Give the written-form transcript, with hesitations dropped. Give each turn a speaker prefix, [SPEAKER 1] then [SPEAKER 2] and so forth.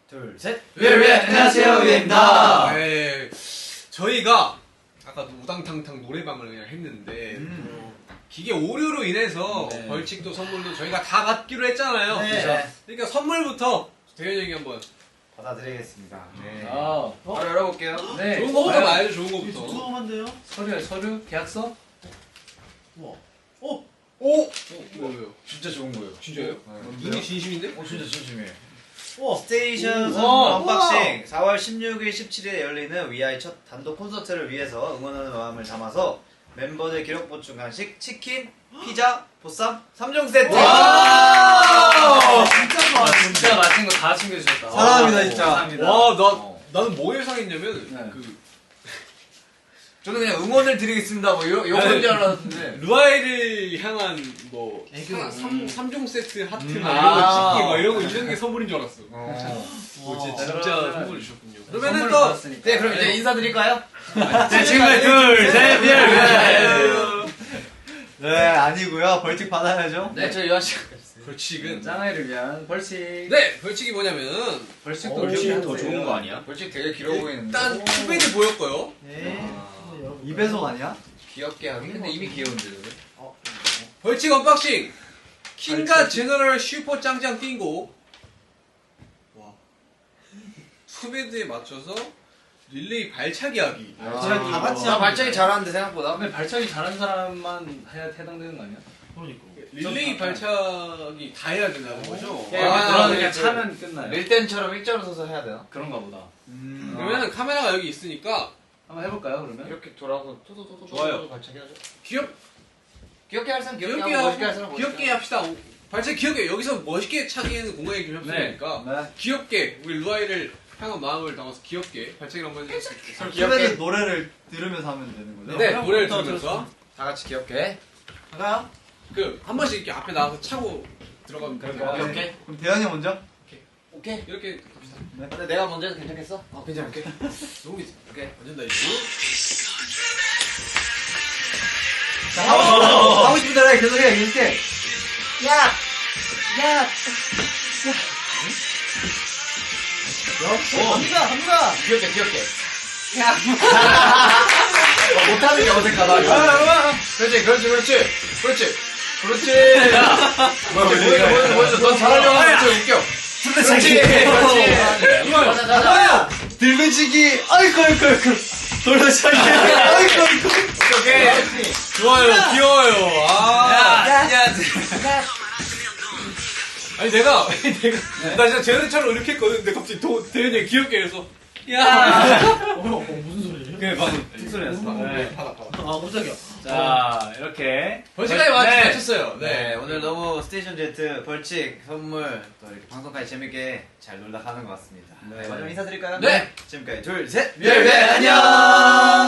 [SPEAKER 1] 둘, 셋.
[SPEAKER 2] 안녕하세요, 위에입니다.
[SPEAKER 3] 네, 저희가 아까 우당탕탕 노래방을 그냥 했는데 기계 오류로 인해서
[SPEAKER 1] 네.
[SPEAKER 3] 벌칙도 선물도 저희가 다 받기로 했잖아요.
[SPEAKER 1] 네.
[SPEAKER 3] 그러니까 선물부터 대현이 형이 한번
[SPEAKER 1] 받아드리겠습니다. 네.
[SPEAKER 2] 바로 열어볼게요.
[SPEAKER 1] 네.
[SPEAKER 3] 좋은 거부터
[SPEAKER 1] 과연
[SPEAKER 3] 말해줘, 좋은 거부터.
[SPEAKER 4] 두툼한데요?
[SPEAKER 1] 서류, 계약서?
[SPEAKER 4] 우와.
[SPEAKER 3] 오! 왜요?
[SPEAKER 1] 진짜 좋은 거예요.
[SPEAKER 3] 진짜요?
[SPEAKER 1] 네.
[SPEAKER 3] 이게 진심인데?
[SPEAKER 1] 진짜 진심이에요.
[SPEAKER 4] 우와.
[SPEAKER 2] 스테이션 선물
[SPEAKER 1] 우와.
[SPEAKER 2] 언박싱 4월 16일, 17일에 열리는 위아이 첫 단독 콘서트를 위해서 응원하는 마음을 담아서 멤버들 기록 보충 간식 치킨, 피자, 보쌈 3종 세트!
[SPEAKER 4] 진짜 좋아.
[SPEAKER 1] 진짜 맛있는 거 다 챙겨주셨다.
[SPEAKER 2] 사랑합니다, 진짜.
[SPEAKER 1] 감사합니다.
[SPEAKER 3] 와, 나는 뭐 예상했냐면,
[SPEAKER 1] 네.
[SPEAKER 2] 저는 그냥 응원을 드리겠습니다 뭐 이런 줄 알았는데
[SPEAKER 3] 루아이를 향한 뭐,
[SPEAKER 4] 애교.
[SPEAKER 3] 3종 세트 하트,
[SPEAKER 1] 아.
[SPEAKER 3] 막 이런 거, 이런 게 선물인 줄 알았어. 진짜
[SPEAKER 1] 그러면은
[SPEAKER 3] 선물을 주셨군요.
[SPEAKER 1] 그러면은
[SPEAKER 3] 그러면은
[SPEAKER 1] 또
[SPEAKER 3] 또,
[SPEAKER 2] 네 그럼 이제 인사드릴까요?
[SPEAKER 1] 네, 지금까지 둘, 셋,
[SPEAKER 2] 네 아니고요 벌칙 받아야죠.
[SPEAKER 1] 네, 저 유아 씨.
[SPEAKER 3] 벌칙은.
[SPEAKER 1] 짱아이를 위한 벌칙.
[SPEAKER 3] 네, 벌칙이 뭐냐면,
[SPEAKER 1] 벌칙도
[SPEAKER 4] 벌칙이
[SPEAKER 1] 더 좋은 거 아니야?
[SPEAKER 2] 벌칙 되게 길어 보이는데
[SPEAKER 3] 일단 투베드 보였고요.
[SPEAKER 4] 네.
[SPEAKER 2] 2배속 아니야? 귀엽게 하기? 근데 이미 귀여운데
[SPEAKER 3] 벌칙 언박싱! 킹과 제너럴 슈퍼 짱짱 띵고. 와. 투베드에 맞춰서 릴레이 발차기 하기.
[SPEAKER 4] 다 같이
[SPEAKER 2] 나
[SPEAKER 4] 하면
[SPEAKER 2] 발차기 잘하는데 생각보다
[SPEAKER 1] 근데 발차기 잘하는 사람만 해당되는 거 아니야?
[SPEAKER 4] 그러니까.
[SPEAKER 3] 릴레이 발차기 다 해야 된다는 거죠?
[SPEAKER 2] 예,
[SPEAKER 1] 그러면 그냥
[SPEAKER 2] 그-
[SPEAKER 1] 차면 끝나요.
[SPEAKER 2] 밀댄처럼 일자로 서서 해야 되나?
[SPEAKER 1] 그런가 보다.
[SPEAKER 3] 그러면은 카메라가 여기 있으니까
[SPEAKER 1] 한번 해볼까요, 그러면?
[SPEAKER 2] 이렇게 돌아서 토도토도
[SPEAKER 3] 좋아요.
[SPEAKER 2] 발차기 하죠.
[SPEAKER 3] 귀엽게
[SPEAKER 2] 할 사람 귀엽게
[SPEAKER 3] 하고
[SPEAKER 2] 하고 멋있게 할 사람
[SPEAKER 3] 귀엽게 합시다. 발차기 귀엽게 여기서 멋있게 차기에는 공간이 좀 협소하니까
[SPEAKER 1] 네.
[SPEAKER 3] 귀엽게 우리 루아이를 향한 마음을 담아서 귀엽게 발차기를 한번 해주세요.
[SPEAKER 2] 귀엽게
[SPEAKER 5] 노래를 들으면서 하면 되는 거죠?
[SPEAKER 3] 네, 노래를
[SPEAKER 4] 부터
[SPEAKER 3] 들으면서
[SPEAKER 2] 다 같이 귀엽게
[SPEAKER 4] 가요?
[SPEAKER 3] 그 한 번씩 이렇게 앞에 나와서 차고 들어가면
[SPEAKER 1] 그럴까요?
[SPEAKER 2] 귀엽게
[SPEAKER 5] 그럼 대현이 먼저?
[SPEAKER 2] 오케이.
[SPEAKER 3] 이렇게 갑시다.
[SPEAKER 2] 근데 내가 먼저 해도 괜찮겠어? 괜찮아.
[SPEAKER 3] 오케이. 너무 있어.
[SPEAKER 2] 오케이.
[SPEAKER 3] 완전 다 이거.
[SPEAKER 2] 하고 싶은 대로 해. 계속해. 이렇게.
[SPEAKER 4] 갑니다.
[SPEAKER 2] 귀엽게. 못하는 게 어색하다. 그렇지. 보여줘. 넌 잘하려고 하는 거 웃겨. 그렇지. 자자.
[SPEAKER 5] 들배지기 아이고 돌려차기 아이고
[SPEAKER 2] 오케이.
[SPEAKER 3] 좋아요. 귀여워요. 아니 내가 나 진짜 재현이처럼 이렇게 했거든. 근데 갑자기 대현이 귀엽게 해서
[SPEAKER 4] 무슨 소리예요?
[SPEAKER 1] 그게 방금 툭소리였어. 네.
[SPEAKER 3] 받아.
[SPEAKER 4] 아, 깜짝이야.
[SPEAKER 1] 자, 이렇게.
[SPEAKER 3] 벌칙까지
[SPEAKER 1] 네.
[SPEAKER 3] 맞췄어요.
[SPEAKER 2] 네, 오늘 너무 스테이션 제트 벌칙 선물 또 이렇게 방송까지 재밌게 잘 놀다 가는 것 같습니다. 네, 마지막 인사드릴까요?
[SPEAKER 3] 네.
[SPEAKER 2] 지금까지 둘, 셋.
[SPEAKER 1] 안녕!